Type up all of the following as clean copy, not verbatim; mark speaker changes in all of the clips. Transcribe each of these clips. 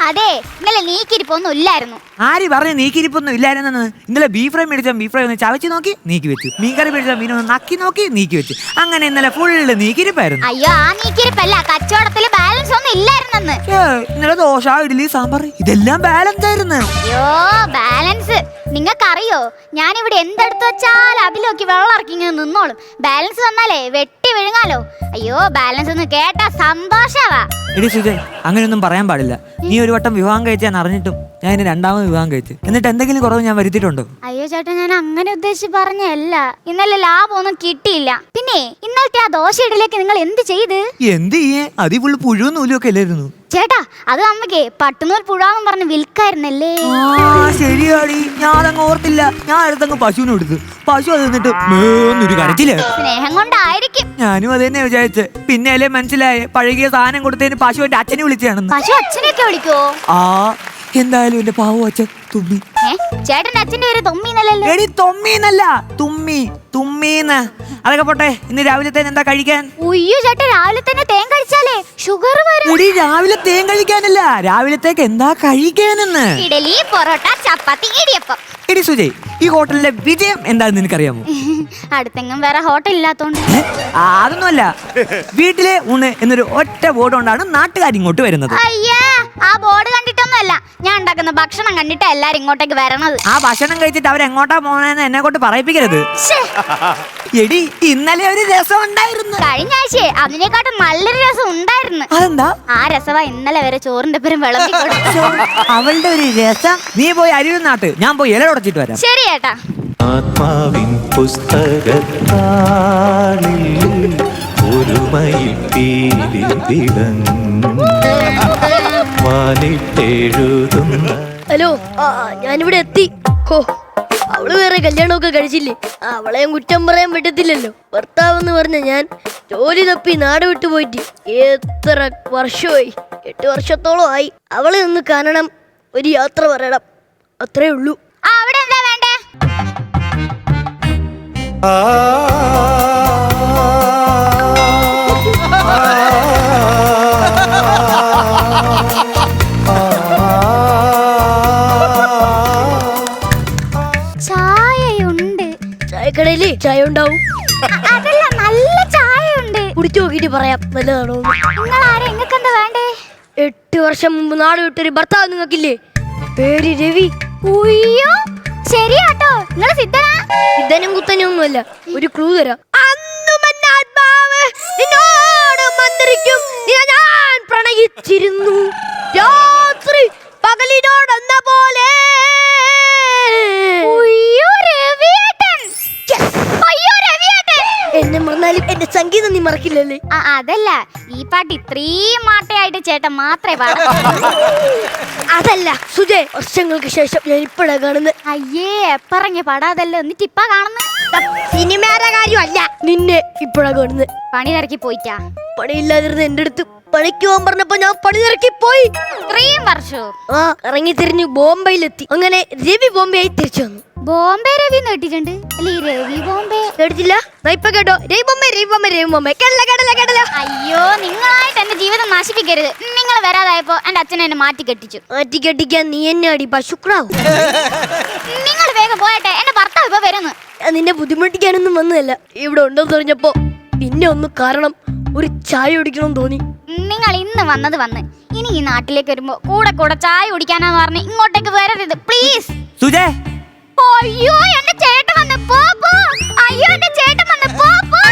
Speaker 1: അതെ, ഇന്നലെ നീക്കിരിപ്പൊന്നും ഇല്ലായിരുന്നു.
Speaker 2: ആര് പറഞ്ഞു നീക്കിരിപ്പൊന്നും ഇല്ലായിരുന്നെന്ന്? ഇന്നലെ ബീഫ് ഫ്രൈ മേടിച്ച ബീഫ് ഫ്രൈ ഒന്ന് ചവച്ച് നോക്കി നീക്കി വെച്ചു, മീൻകറി മേടിച്ച മീൻ ഒന്ന് നക്കി നോക്കി നീക്കി വെച്ചു. അങ്ങനെ ഇന്നലെ ഫുള്ള് നീക്കിരിപ്പായിരുന്നു.
Speaker 1: അയ്യോ, ആ നീക്കിരിപ്പല്ല, കച്ചവടത്തില് ബാലൻസ് ഒന്നും ഇല്ലായിരുന്നെന്ന്.
Speaker 2: ഇന്നലെ ദോശ, ഇഡ്ഡലി, സാമ്പാർ ഇതെല്ലാം ബാലൻസ് ആയിരുന്നു.
Speaker 1: അയ്യോ, ബാലൻസ് നിങ്ങൾക്കറിയോ? ഞാനിവിടെ എന്തെടുത്ത് വെച്ചാൽ അതിലൊക്കെ വെള്ളം ഇറക്കി ഇങ്ങനെ നിന്നോളും. ബാലൻസ് വന്നാലേ വെട്ടി വിഴുങ്ങാലോ. അയ്യോ, ബാലൻസ് ഒന്ന് കേട്ടാ സന്തോഷവാ.
Speaker 2: എടി സുജയ്, അങ്ങനെയൊന്നും പറയാൻ പാടില്ല. നീ ഒരു വട്ടം വിവാഹം കഴിച്ചാൻ അറിഞ്ഞിട്ടും ഞാൻ ഇനി രണ്ടാമത് വിവാഹം കഴിച്ചു. എന്നിട്ട് എന്തെങ്കിലും കുറവ് ഞാൻ വരുത്തിയിട്ടുണ്ടോ?
Speaker 1: അയ്യോ ചേട്ടാ, ഞാൻ അങ്ങനെ ഉദ്ദേശിച്ച് പറഞ്ഞല്ല. ഇന്നലെ ലാഭമൊന്നും കിട്ടിയില്ല. പിന്നെ ഇന്നലത്തെ ആ ദോശ ഇഡലിയൊക്കെ നിങ്ങൾ എന്ത് ചെയ്ത്?
Speaker 2: എന്ത് ചെയ്യേ, അതി ഫുള്ള് പുഴുവും നൂലും ഒക്കെ അല്ലായിരുന്നു
Speaker 1: ചേട്ടാ. അത് അമ്മയ്ക്ക് പട്ടുനൂൽ പുഴാന്ന് പറഞ്ഞ് വിൽക്കായിരുന്നല്ലേ?
Speaker 2: ശരിയാടി, ഞാനങ്ങ് ഓർത്തില്ല. ഞാൻ അടുത്തങ്ങ് പശുവിനെ എടുത്തു. പശു അത് നിന്നിട്ട് മേന്നൊരു കരച്ചില്.
Speaker 1: സ്നേഹം കൊണ്ടായിരിക്കും.
Speaker 2: ഞാനും അത് തന്നെ വിചാരിച്ച്. പിന്നെ അല്ലേ മനസ്സിലായേ, പഴകിയ സാധനം കൊടുത്തതിന് പശു എന്റെ അച്ഛനെ വിളിച്ചാണെന്ന്.
Speaker 1: പശു അച്ഛനെയൊക്കെ വിളിക്കോ?
Speaker 2: എന്തായാലും എന്റെ പാവം അച്ഛൻ തുമ്മി.
Speaker 1: ചേട്ടന്റെ അച്ഛന്റെ പേര് തൊമ്മീന്നല്ലോ?
Speaker 2: എടി തൊമ്മീന്നല്ല, തുമ്മി, തുമ്മീന്ന്. അതൊക്കെ പോട്ടെ, ഇന്ന് രാവിലത്തേന് എന്താ കഴിക്കാൻ?
Speaker 1: ഉയ്യോ ചേട്ടാ, രാവിലെ തന്നെ തേൻ കഴിച്ചാലേ ഷുഗർ വരും.
Speaker 2: എടി രാവിലെ തേൻ കഴിക്കാനല്ല, രാവിലത്തേക്ക് എന്താ കഴിക്കാനെന്ന്.
Speaker 1: ഇഡലി, പൊറോട്ട, ചപ്പാത്തി, ഇടിയപ്പം.
Speaker 2: എടി സുജയ്, ഈ ഹോട്ടലിലെ വിജയം എന്താണെന്ന് നിനക്കറിയാമോ?
Speaker 1: അടുത്തെങ്ങും വേറെ ഹോട്ടൽ ഇല്ലാത്തോണ്ട്.
Speaker 2: അതൊന്നുമല്ല, വീട്ടിലെ ഊണ് എന്നൊരു ഒറ്റ ബോർഡ് കൊണ്ടാണ് നാട്ടുകാർ ഇങ്ങോട്ട് വരുന്നത്.
Speaker 1: അയ്യാ, ആ ബോർഡ് കണ്ടിട്ടൊന്നുമല്ല, ഞാൻ ഉണ്ടാക്കുന്ന ഭക്ഷണം കണ്ടിട്ടാ എല്ലാരും ഇങ്ങോട്ടേക്ക് വരണത്.
Speaker 2: ആ ഭക്ഷണം കഴിച്ചിട്ട് അവരെങ്ങോട്ടാ പോണെന്ന് എന്നെ കൊണ്ട് പറയിപ്പിക്കരുത്. എടി, ഇന്നലെ ഒരു രസം ഉണ്ടായിരുന്നു.
Speaker 1: കഴിഞ്ഞ ആഴ്ചയെ അതിനെക്കാട്ടും നല്ലൊരു രസം ഉണ്ടായിരുന്നു.
Speaker 2: അതെന്താ?
Speaker 1: ആ രസവാ ഇന്നലെ വരെ ചോറിന്റെ പേരും വിളമ്പി കൊടുത്തു.
Speaker 2: അവളുടെ ഒരു രസം. നീ പോയി അരിയും നാട്ട്, ഞാൻ പോയി ഇല ഉടച്ചിട്ട് വരാം.
Speaker 1: ശരി ചേട്ടാ.
Speaker 3: ആത്മാവിൻ പുസ്തകത്താളിൽ ഒരു മയിൽ പീലി വാലിട്ടെഴുതുന്ന.
Speaker 4: ഹലോ, ഞാനിവിടെ എത്തി. ഹോ, അവള് വേറെ കല്യാണമൊക്കെ കഴിച്ചില്ലേ? അവളെയും കുറ്റം പറയാൻ പറ്റത്തില്ലല്ലോ. ഭർത്താവെന്ന് പറഞ്ഞ ഞാൻ ജോലി തപ്പി നാട് വിട്ടു പോയിട്ട് എത്ര വർഷമായി? 8 വർഷത്തോളം ആയി. അവളെ ഒന്ന് കാണണം, ഒരു യാത്ര പറയണം, അത്രേ ഉള്ളൂ.
Speaker 1: അവിടെ എന്താ വേണ്ടേ? ചായയുണ്ട്.
Speaker 4: ചായക്കടയില് ചായ ഉണ്ടാവും.
Speaker 1: അതല്ല, നല്ല ചായയുണ്ട്.
Speaker 4: കുടിച്ചു നോക്കിട്ട് പറയാം നല്ലതാണോ.
Speaker 1: നിങ്ങൾ ആരാ? നിങ്ങൾക്ക് എന്താ വേണ്ടേ?
Speaker 4: 8 വർഷം മുമ്പ് നാട് വിട്ടൊരു ഭർത്താവ് നിങ്ങൾക്കില്ലേ? പേര് രവി.
Speaker 1: ഉയ്യോ, ശരിയാട്ടോ. നിങ്ങൾ സിദ്ധനാ?
Speaker 4: ഇതനും കുത്തനും ഒന്നുമല്ല. ഒരു ക്ലൂ തരാം. ഞാൻ പ്രണയിച്ചിരുന്നു, രാത്രി പകലിനോടെന്ന പോലെ.
Speaker 1: ഉയ്യോ, രവിയേട്ടൻ. അയ്യോ, രവിയേട്ടൻ.
Speaker 4: എന്നെ മറന്നാലും എന്റെ സംഗീതം നീ മറക്കില്ലല്ലേ?
Speaker 1: അതല്ല, ഈ പാട്ട് ഇത്രയും മാട്ടയായിട്ട് ചേട്ടൻ മാത്രമേ പാടൂ.
Speaker 4: അതല്ല സുജയ്, വർഷങ്ങൾക്ക് ശേഷം ഞാൻ ഇപ്പഴാ കാണുന്നത്.
Speaker 1: അയ്യേ, എപ്പറങ്ങ പാടാതല്ലോ, എന്നിട്ട് ഇപ്പ കാണുന്നു.
Speaker 4: സിനിമയുടെ കാര്യമല്ല, നിന്നെ ഇപ്പഴാ കാണുന്നത്.
Speaker 1: പണി തിരക്കി പോയിട്ടാ?
Speaker 4: പണിയില്ലാതിരുന്ന എന്റെ അടുത്ത് പണിക്ക് പോകാൻ പറഞ്ഞപ്പോ ഞാൻ പണി തിരക്കി പോയി.
Speaker 1: 3 വർഷവും
Speaker 4: ഇറങ്ങി തിരിഞ്ഞു ബോംബെയിലെത്തി. അങ്ങനെ രവി ബോംബെയായി തിരിച്ചു വന്നു.
Speaker 1: ബോംബെ രവി കേട്ടിട്ടുണ്ട് അല്ലെ? രവി ബോംബെ
Speaker 4: കേട്ടിട്ടില്ല? ഇപ്പൊ കേട്ടോ, രവി ബോംബെ, രവി ബോംബെ, രവി ബോംബെ. കേട്ടില്ല.
Speaker 1: അയ്യോ, നിങ്ങളായിട്ട് എന്റെ ജീവിതം നശിപ്പിക്കരുത്. നിങ്ങൾ വരാതായപ്പോ എന്റെ അച്ഛനെ എന്നെ മാറ്റി കെട്ടിച്ചു.
Speaker 4: മാറ്റി കെട്ടിക്കാൻ നീ എന്നെ അടി പശുക്രാവും.
Speaker 1: നിങ്ങൾ വേഗം പോയട്ടെ, എന്റെ ഭർത്താവ് ഇപ്പൊ വരുന്നു.
Speaker 4: നിന്നെ ബുദ്ധിമുട്ടിക്കാനൊന്നും വന്നതല്ല. ഇവിടെ ഉണ്ടെന്ന് പറഞ്ഞപ്പോ പിന്നെ ഒന്ന് കാരണം ഒരു ചായ കുടിക്കണം തോന്നി.
Speaker 1: നിങ്ങൾ ഇന്ന് വന്ന് ഇനി ഈ നാട്ടിലേക്ക് വരുമ്പോ കൂടെ ചായ കുടിക്കാനാന്ന് പറഞ്ഞ് ഇങ്ങോട്ടേക്ക് വരരുത് പ്ലീസ്.
Speaker 2: സുജയ്,
Speaker 1: അയ്യോ, എന്റെ ചേട്ടൻ വന്ന് പോ. അയ്യോ, എന്റെ ചേട്ടൻ വന്ന് പോ.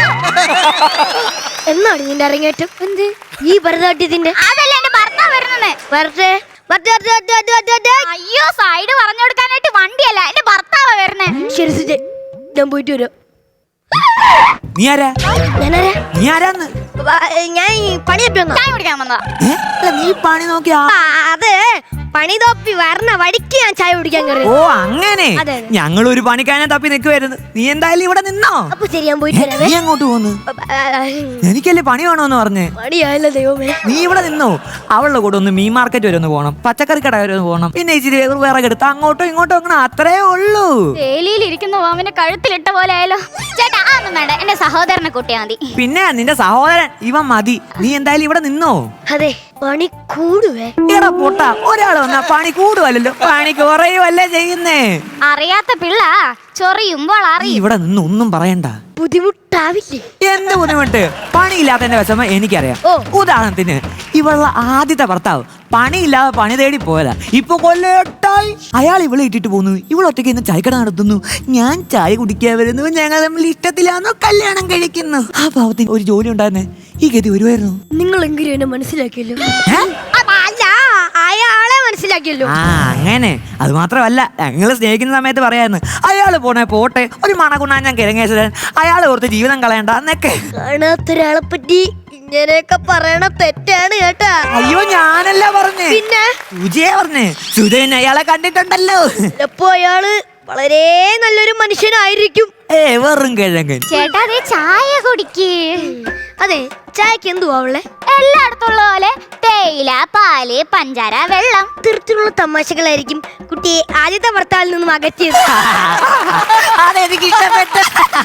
Speaker 4: എന്നാണ് നിന്റെ അരങ്ങേറ്റം?
Speaker 1: എന്ത്?
Speaker 4: ഈ ഭരതനാട്യത്തിന്റെ?
Speaker 1: അതല്ല, എന്റെ ഭർത്താവ് വരുന്നത്.
Speaker 4: വരട്ടെ.
Speaker 1: അയ്യോ, സൈഡ് പറഞ്ഞു കൊടുക്കാനായിട്ട് വണ്ടിയല്ല, എന്റെ ഭർത്താവ് വരുന്നേ.
Speaker 4: ശരി സുജയ്, ഞാൻ പോയിട്ട് വരാം.
Speaker 2: നീ ആരാ?
Speaker 4: ഞാനാരാ?
Speaker 2: നീ ആരാന്ന്?
Speaker 4: ഞാൻ പണി തപ്പി വന്നതാ.
Speaker 1: ചായ കുടിക്കാൻ വന്നതാ.
Speaker 2: നീ പണി നോക്കിയാ?
Speaker 4: അത് പണി തപ്പി വരണ വഴിക്ക് ഞാൻ ചായ കുടിക്കാൻ കയറി.
Speaker 2: ഓ അങ്ങനെ.
Speaker 4: അതെ.
Speaker 2: ഞങ്ങൾ ഒരു പണിക്കാരനെ തപ്പി നിൽക്കുവായിരുന്നു. നീ എന്തായാലും ഇവിടെ നിന്നോ?
Speaker 4: അപ്പൊ ശരി, ഞാൻ പോയിട്ട് വരാം.
Speaker 2: നീ അങ്ങോട്ട് പോന്ന്? എനിക്കല്ലേ പണി വേണോന്ന് പറഞ്ഞേ.
Speaker 4: പണിയായല്ലോ ദൈവമേ.
Speaker 2: നീ ഇവിടെ നിന്നോ? അവളുടെ കൂടെ ഒന്ന് മീൻ മാർക്കറ്റ് വരെ ഒന്ന് പോകണം, പച്ചക്കറി കട വരെ ഒന്ന് പോകണം, പിന്നെ ഇച്ചിരി വിറകെടുത്ത് അങ്ങോട്ടോ ഇങ്ങോട്ടോ അങ്ങനെ, അത്രേ ഉള്ളൂ.
Speaker 1: വേലിയിൽ ഇരിക്കുന്ന അവന്റെ കഴുത്തിലിട്ട പോലെ ആയാലോ. ചേട്ടാ, അതൊന്നും വേണ്ട, എന്റെ സഹോദരനെ കൂട്ടിയാ മതി.
Speaker 2: പിന്നെ നിന്റെ സഹോദരൻ ഇവൻ മതി. നീ എന്തായാലും ഇവിടെ നിന്നോ?
Speaker 4: അതെ, പണി കൂടുവേ.
Speaker 2: എടാ പൊട്ട, ഒരാൾ വന്നാ പണി കൂടുവല്ലോ, പണി കുറയുവല്ലേ ചെയ്യുന്നേ.
Speaker 1: അറിയാത്ത പിള്ള ചൊറിയുമ്പോൾ
Speaker 2: നീ
Speaker 1: അറിയും.
Speaker 2: ഇവിടെ നിന്ന് ഒന്നും പറയണ്ട.
Speaker 4: ബുദ്ധിമുട്ടാവില്ലേ?
Speaker 2: എന്ത് ബുദ്ധിമുട്ട്? പണിയില്ലാത്തതിന്റെ വിഷമം എനിക്കറിയാം.
Speaker 4: ഓ.
Speaker 2: ഉദാഹരണത്തിന് ഇവളുടെ ആദ്യത്തെ ഭർത്താവ് പണിയില്ലാതെ പണി തേടി പോയതാ. ഇപ്പൊ കൊല്ലേട്ടായി അയാൾ ഇവളെ ഇട്ടിട്ട് പോന്നു. ഇവളൊറ്റയ്ക്ക് ഇന്ന് ചായക്കട നടത്തുന്നു. ഞാൻ ചായ കുടിക്കാൻ വരുന്നു. ഞങ്ങൾ തമ്മിൽ ഇഷ്ടത്തിലാണോ കല്യാണം കഴിക്കുന്നു. ആ പാവത്തിന് ഒരു ജോലി ഉണ്ടായിരുന്നേ, ഈ ഗതി വരുമായിരുന്നു.
Speaker 4: നിങ്ങളെങ്കിലും എന്നെ മനസ്സിലാക്കിയല്ലോ.
Speaker 2: ഏ?
Speaker 4: അല്ല, അയാളെ മനസ്സിലാക്കിയല്ലോ.
Speaker 2: ആ അങ്ങനെ. അത് മാത്രമല്ല, ഞങ്ങൾ സ്നേഹിക്കുന്ന സമയത്ത് പറയായിരുന്നു അയാള് പോട്ടെ, ഒരു മണകുണ്ണാൻ ഞാൻ കിഴങ്ങേശ്വരൻ, അയാൾ ഓർത്ത് ജീവിതം കളയണ്ട എന്നൊക്കെ.
Speaker 4: കാണാത്തൊരാളെ പറ്റി ഇങ്ങനെയൊക്കെ പറയണ തെറ്റാണ് കേട്ടാ.
Speaker 2: അയ്യോ, ഞാനല്ല പറഞ്ഞേ,
Speaker 4: പിന്നെ
Speaker 2: സുജയെ പറഞ്ഞേ. സുജയൻ അയാളെ കണ്ടിട്ടുണ്ടല്ലോ.
Speaker 4: ചിലപ്പോ അയാള് വളരെ നല്ലൊരു മനുഷ്യനായിരിക്കും.
Speaker 2: വെറും കിഴങ്ങൻ.
Speaker 1: ചേട്ടാ അതേ ചായ കുടിക്ക്.
Speaker 4: അതെ, ചായക്ക് എന്തുവാ അവളെ?
Speaker 1: എല്ലായിടത്തുള്ള പോലെ തേയില, പാല്, പഞ്ചാര, വെള്ളം.
Speaker 4: തീർച്ചയുള്ള തമാശകളായിരിക്കും കുട്ടിയെ ആദ്യത്തെ ഭർത്താവിൽ നിന്നും അകറ്റിയത്.
Speaker 2: അതെനിക്ക് ഇഷ്ടപ്പെട്ടു.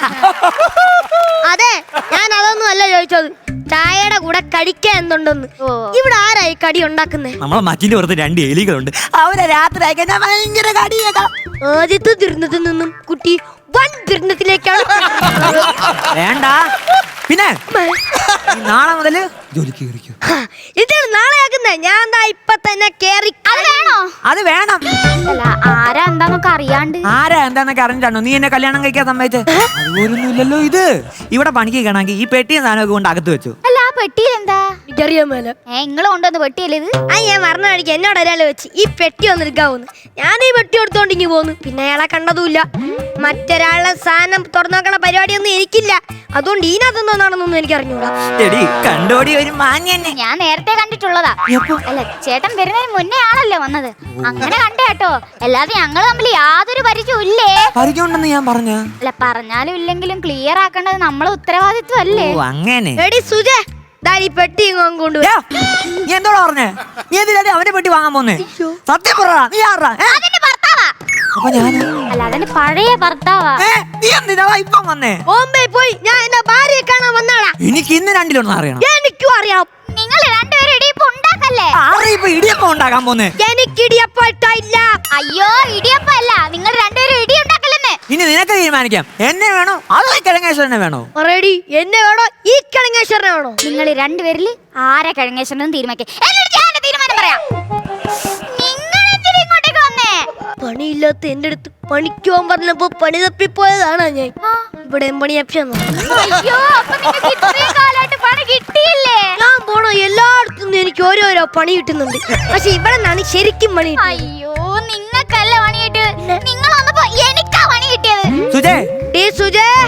Speaker 4: അതെ, ഞാൻ അതൊന്നും അല്ല ചോദിച്ചത്. ചായയുടെ കൂടെ കഴിക്കാൻ എന്തുണ്ടെന്ന്.
Speaker 1: ഓ.
Speaker 4: ഇവിടെ ആരായി കടി ഉണ്ടാക്കുന്നേ?
Speaker 2: നമ്മളെ മച്ചിന്റെ പുറത്ത് 2 എലികളുണ്ട്. അവരെ രാത്രി ആയിക്കാൻ ഞാൻ ഭയങ്കര കടിയേക്കാം.
Speaker 4: ആദ്യത്തെ ദുരന്തത്തിൽ നിന്നും കുട്ടി വൻ ദുരന്തത്തിലേക്കാണ്.
Speaker 2: വേണ്ട. പിന്നെ ഈ നാളെ മുതല് ജോലിക്ക് കയറിക്കോ.
Speaker 4: ഇതാണ് നാളെ ആക്കുന്നേ. ഞാൻ ദാ ഇപ്പൊ തന്നെ കേറി.
Speaker 1: അത് വേണോ?
Speaker 2: അത് വേണം.
Speaker 1: അല്ല, ആരാ എന്താന്നൊക്കെ അറിയാണ്ട്.
Speaker 2: ആരാ എന്താന്നൊക്കെ അറിഞ്ഞാണോ നീ എന്നെ കല്യാണം കഴിക്കാൻ സമ്മതിച്ചേ? അതുപോലൊന്നും ഇല്ലല്ലോ ഇത്. ഇവിടെ പണിക്ക് കേണമെങ്കിൽ ഈ പെട്ടിയും സാധനമൊക്കെ കൊണ്ട് അകത്ത് വെച്ചു.
Speaker 1: അല്ല, ആ പെട്ടിയിൽ എന്താ?
Speaker 4: എനിക്കറിയാൻ മേല.
Speaker 1: നിങ്ങള് കൊണ്ടുവന്ന് പെട്ടിയല്ലേ ഇത്?
Speaker 4: ആ, ഞാൻ മറന്നു കഴിക്കാൻ എന്നോട് ഒരാൾ വെച്ച് ഈ പെട്ടി ഒന്ന് എടുക്കാവുന്നു. ഞാൻ ഈ പെട്ടി എടുത്തോണ്ട് ഇങ്ങി പോന്നു. പിന്നെ അയാളെ കണ്ടതുമില്ല. മറ്റൊരാളുടെ സാധനം തുറന്നു നോക്കണ പരിപാടിയൊന്നും എനിക്കില്ല. അതുകൊണ്ട് ഇതിനകത്തൊന്നാണെന്നൊന്നും എനിക്ക് അറിഞ്ഞൂടാ.
Speaker 2: എടി കണ്ടോടി ഒരു മാഞ്ഞെന്നെ.
Speaker 1: ഞാൻ നേരത്തെ കണ്ടിട്ടുള്ളതാ.
Speaker 2: എപ്പോ?
Speaker 1: അല്ല, ചേട്ടൻ വരുന്നതിന് മുന്നേ ആണല്ലോ വന്നത്. അങ്ങനെ കണ്ടേ കേട്ടോ. അല്ലാതെ ഞങ്ങൾ തമ്മിൽ യാതൊരു പരിചയവും ഇല്ലേ.
Speaker 2: പരിചയമുണ്ടെന്ന് ഞാൻ പറഞ്ഞ.
Speaker 1: അല്ല, പറഞ്ഞാലും ഇല്ലെങ്കിലും ക്ലിയർ ആക്കേണ്ടത് നമ്മളെ ഉത്തരവാദിത്വം അല്ലേ?
Speaker 2: ഓ അങ്ങനെ.
Speaker 4: എടി സുജേ, ദാ ഈ പെട്ടി ഇങ്ങോട്ട് കൊണ്ടുപോയി.
Speaker 2: യാ, നീ എന്തോടാ പറഞ്ഞേ? നീ എന്തിനാ അവന്റെ പെട്ടി വാങ്ങാൻ പോന്നേ? സത്യം പറ, നീ ആരാ?
Speaker 1: അതിന്റെ ഭർത്താവാ.
Speaker 2: അപ്പൊ ഞാൻ
Speaker 1: അല്ല, അതിന്റെ പഴയ ഭർത്താവാ.
Speaker 2: നീ എന്തിനാ ഇപ്പം വന്നേ?
Speaker 4: ബോംബെ പോയി ഞാൻ എന്റെ ഭാര്യയെ കാണാൻ വന്നാളാ.
Speaker 2: എനിക്ക് ഇന്ന് 2-1 അറിയണം.
Speaker 4: എനിക്കും അറിയാം.
Speaker 1: നിങ്ങൾ രണ്ടുപേരും ഇടിയപ്പം ഉണ്ടാക്കല്ലേ?
Speaker 2: ആരാ ഇപ്പൊ ഇടിയപ്പം ഉണ്ടാക്കാൻ പോന്നേ?
Speaker 4: എനിക്ക് ഇടിയപ്പം ഇഷ്ടമില്ല.
Speaker 1: അയ്യോ, ഇടിയപ്പം അല്ല, നിങ്ങൾ രണ്ടുപേരും ഇടി ഉണ്ടാക്കലെന്ന്.
Speaker 2: ഇനി നിനക്ക് തീരുമാനിക്കാം, എന്നെ വേണോ അതോ കിഴങ്ങേശ്വരനെ വേണോ?
Speaker 4: പറയടി, എന്നെ വേണോ ഈ കിഴങ്ങേശ്വരനെ വേണോ?
Speaker 1: നിങ്ങൾ രണ്ടുപേരിൽ ആരെ കഴിഞ്ഞേശ്വരനും തീരുമാനിക്കാം. എന്നിട്ട് ഞാൻ എന്റെ തീരുമാനം പറയാം. നിങ്ങൾ എന്തിനാ ഇങ്ങോട്ടേക്ക് വന്നേ?
Speaker 4: പണിയില്ലാത്ത എന്റെ അടുത്ത് പണിക്ക് പോകാൻ പറഞ്ഞപ്പോ പണി തപ്പിപ്പോയതാണ് ഞാൻ. ഇവിടെ പണി അപ്ഷന്നു.
Speaker 1: അയ്യോ, അപ്പൊ നിങ്ങൾക്ക് ഇത്രയും കാലമായിട്ട് പണി കിട്ടിയില്ലേ?
Speaker 4: ഞാൻ പോണോ എല്ലായിടത്തും എനിക്ക് ഓരോരോ പണി കിട്ടുന്നുണ്ട്. പക്ഷെ ഇവിടെ നിന്നാണ് ശരിക്കും പണി കിട്ടുന്നത്.
Speaker 1: അയ്യോ, നിങ്ങൾക്കല്ല പണി കിട്ടിയത്. നിങ്ങൾ വന്നപ്പോ എനിക്കാ പണി കിട്ടിയത്.
Speaker 2: സുജേ,
Speaker 4: ഡേ സുജേ,